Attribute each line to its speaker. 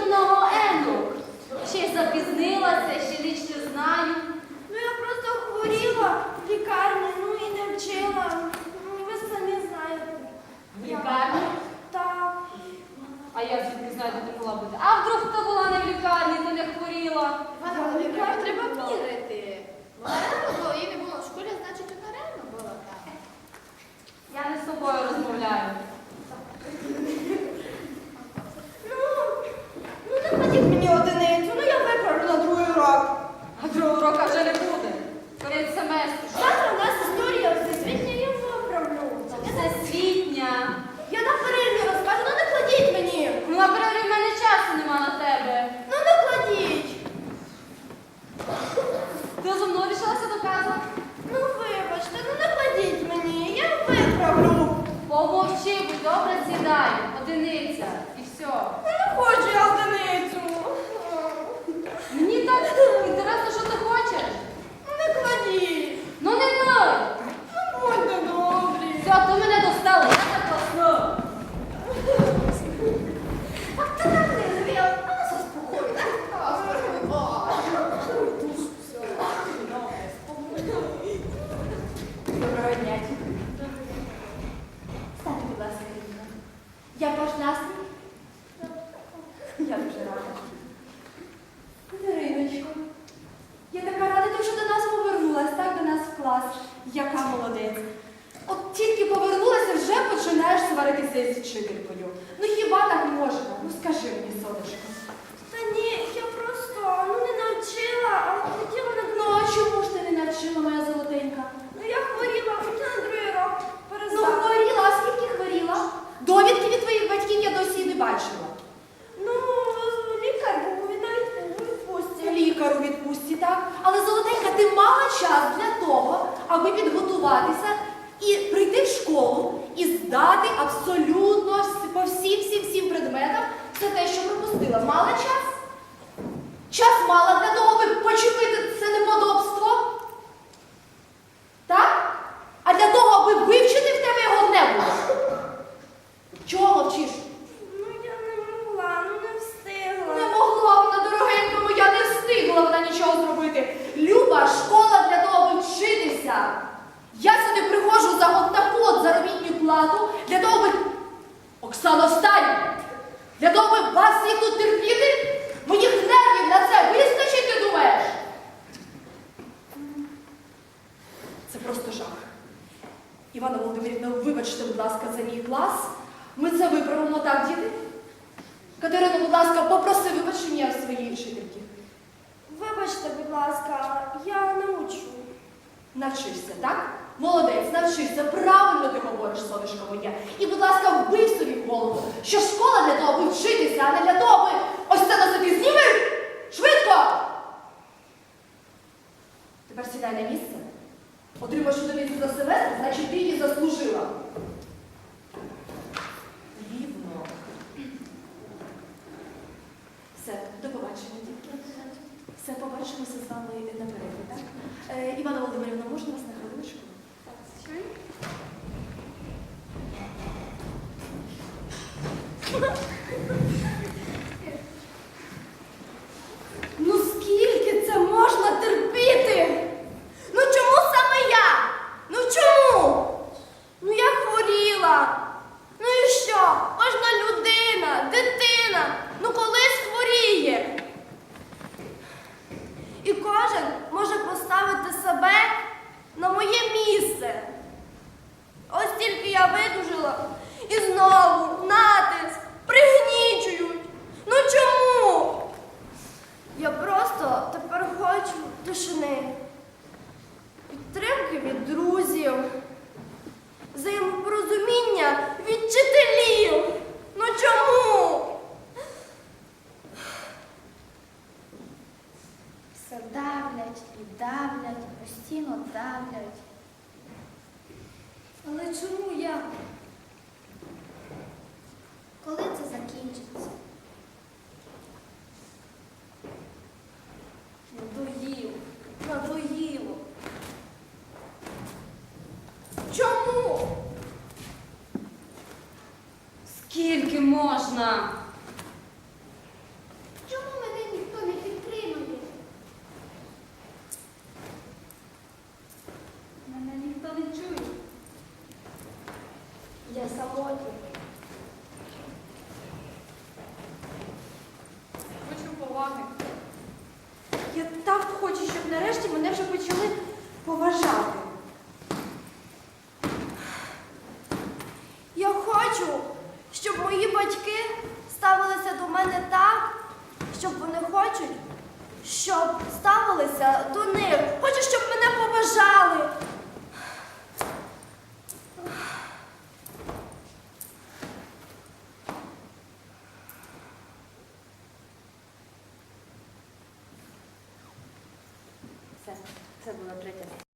Speaker 1: дуже много енок. Ще й запізнилася, ще ніч не знаю.
Speaker 2: Ну я просто хворіла в лікарні, ну і не вчила. Ну, ви самі знаєте.
Speaker 1: В лікарні?
Speaker 2: Так.
Speaker 1: А я звідки знаю, де ти могла бути. А вдруг ти була не в лікарні, ти не хворіла?
Speaker 3: Івана Володимирівна, треба вірити. Вона реально була, її не було в школі, значить вона реально була там.
Speaker 1: Я не з тобою розмовляю.
Speaker 2: Ну не кладіть мені одиницю, ну я виправлю на другий урок.
Speaker 1: А другого урока вже не буде. Кінець семестру.
Speaker 2: Завтра у нас історія всесвітня, я виправлю.
Speaker 1: Всесвітня.
Speaker 2: Я на перерві розкажу, ну не кладіть мені.
Speaker 1: Ну, на перерві в мене часу нема на тебе.
Speaker 2: Ну не кладіть.
Speaker 1: Ти зо мною рішилася доказувати?
Speaker 2: Ну вибачте, ну не кладіть мені, я виправлю.
Speaker 1: Помовчи, будь добре, сідай. Одиниця. І все.
Speaker 2: Ну не хочу я одиницю.
Speaker 1: Мені так інтересно, що ти хочеш.
Speaker 2: Ну не кладіть.
Speaker 1: Ну не ной.
Speaker 2: Ну будьте добрі.
Speaker 1: Все, ти мене достала, я так класно.
Speaker 2: А ти так не звіл, а нас заспокоюй, так?
Speaker 1: Доброго дня.
Speaker 2: Станьте, будь ласка, Рівна. Я ваш настрій? Я дуже рада. Дариночко, я така рада, ти вже до нас повернулась, так, до нас в клас. Яка молодець. От тільки повернулася, вже починаєш сваритися з вчителькою. Ну хіба так можна? Ну скажи мені, сонечко. Та ні, я просто, не навчила, а хотіла на... Ну, а чому ж ти не навчила, моя золотенька? Ну я хворіла, хотіла на другий урок перестати. Ну хворіла, а скільки хворіла? Довідки від твоїх батьків я досі не бачила. Ну, лікар був навіть у відпустці. Лікар у відпустці, так. Але, золотенька, ти мала час для того, аби підготуватися і прийти в школу і здати абсолютно по всім предметам все те, що пропустила. Мала час? Час мала для того, аби почепити це неподобство? Так? А для того, аби вивчити в тебе його не було? Чого мовчиш?
Speaker 4: Ну я не могла, не встигла.
Speaker 2: Не могла вона, дорогенька моя, не встигла вона нічого зробити. Люба, школа для того, аби вчитися. Я сюди приходжу за от таку от заробітну плату, для того, аби... Оксано, встань! Для того, аби вас всіх тут терпіти? Моїх нервів на це вистачить, ти думаєш? Це просто жах. Івана Володимирівна, вибачте, будь ласка, за мій клас. Ми це виправимо, так, діти? Катерина, будь ласка, попроси вибачення своєї вчительки.
Speaker 4: Вибачте, будь ласка, я научу.
Speaker 2: Навчишся, так? Молодець, навчишся. Правильно ти говориш, сонечко моє. І, будь ласка, вбий собі в голову, що школа для того, аби вчитися, а не для того, аби ось це на собі зніми! Швидко! Тепер сідай на місце. Отримаєш одиницю за семестр, значить ти її заслужила. Рівно. Все, до побачення, дітки. Все, побачимося з вами на перерві, так? Івана Володимирівна, можна вас на хвилиночку?
Speaker 3: Так, звичайно.
Speaker 2: Ну скільки це можна терпіти?
Speaker 4: Ну чому саме я? Ну чому? Ну я хворіла. Ну і що? Кожна людина, дитина, ну колись хворіє. І кожен може поставити себе на моє місце. Ось тільки я видужила і знову натиск, пригнічують. Ну чому? Я просто тепер хочу тишини, підтримки від друзів, взаємопорозуміння від вчителів. Ну чому?
Speaker 3: Все давлять і давлять, постійно давлять.
Speaker 4: Але чому я?
Speaker 3: Коли це закінчиться?
Speaker 4: Надоїло. Чому?
Speaker 1: Скільки можна?
Speaker 2: поважати.
Speaker 4: Я хочу, щоб мої батьки ставилися до мене так, щоб вони хочуть, щоб ставилися до них. Хочу, щоб мене поважали.
Speaker 1: Все, це була третя.